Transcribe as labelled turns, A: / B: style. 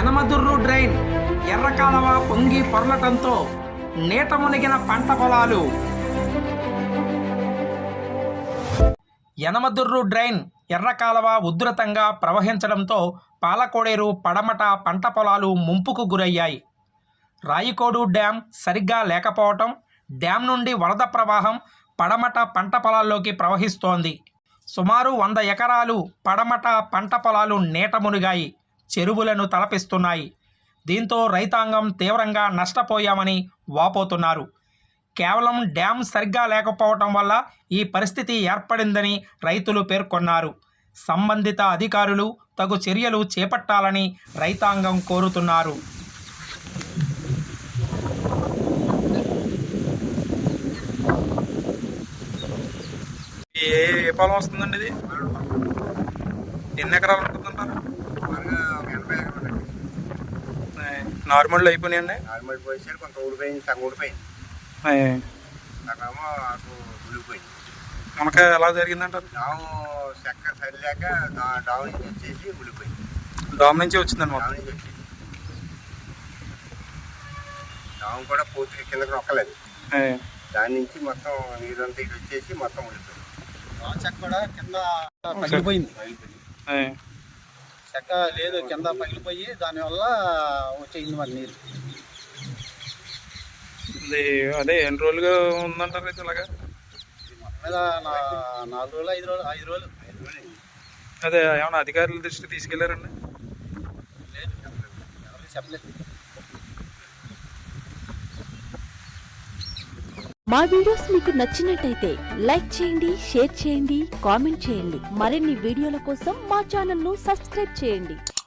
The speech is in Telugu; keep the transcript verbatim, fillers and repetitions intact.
A: యనమదుర్రు డ్రైన్ ఎర్రకాలవ పొంగి పొర్లటంతో నీట మునిగిన పంట పొలాలు. యనమదుర్రు డ్రైన్ ఎర్రకాలవ ఉధృతంగా ప్రవహించడంతో పాలకోడేరు పడమట పంట పొలాలు ముంపుకు గురయ్యాయి. రాయికోడు డ్యాం సరిగ్గా లేకపోవటం, డ్యాం నుండి వరద ప్రవాహం పడమట పంట పొలాల్లోకి ప్రవహిస్తోంది. సుమారు వంద ఎకరాలు పడమట పంట పొలాలు నీట మునిగాయి, చెరువులను తలపిస్తున్నాయి. దీంతో రైతాంగం తీవ్రంగా నష్టపోయామని వాపోతున్నారు. కేవలం డ్యాం సరిగ్గా లేకపోవటం వల్ల ఈ పరిస్థితి ఏర్పడిందని రైతులు పేర్కొన్నారు. సంబంధిత అధికారులు తగు చర్యలు చేపట్టాలని రైతాంగం కోరుతున్నారు.
B: ఏ ఏ పొలం వస్తుందండి ఇది? ఎన్ని ఎకరాలు ఉంటుందంటారు? నార్మల్ అయిపోయినాయండి.
C: నార్మల్ పోయి కొంత ఊడిపోయింది, సగం ఊడిపోయింది, సగమో అటు ఉడిపోయింది.
B: మనక ఎలా జరిగిందంటారు?
C: డాము చెక్క సరిలేక డాము నుంచి వచ్చేసి ఉడిపోయింది.
B: డామ్ నుంచి వచ్చిందండి.
C: డాము నుంచి వచ్చేసి డాము కూడా పూర్తిగా కిందకి నొక్కలేదు. దాని నుంచి మొత్తం నీరంతా ఇటు వచ్చేసి మొత్తం ఉడిపోయింది.
D: చెక్క కూడా కింద పగిలిపోయింది. చెక్క లేదు, కింద పగిలిపోయి దానివల్ల వచ్చేయింది మరి నీరు.
B: అదే ఎన్ని రోజులుగా ఉందంటారు అయితే ఇలాగా?
D: మీద నాలుగు రోజులు ఐదు రోజులు ఐదు రోజులు ఐదు రోజులు
B: అదే ఏమన్నా అధికారుల దృష్టికి తీసుకెళ్లారండి?
D: లేదు, ఎవరికి చెప్పలేదు.
E: మా వీడియోస్ మీకు నచ్చినట్టయితే లైక్ చేయండి, షేర్ చేయండి, కామెంట్ చేయండి. మరిన్ని వీడియోల కోసం మా ఛానల్ ను సబ్స్క్రైబ్ చేయండి.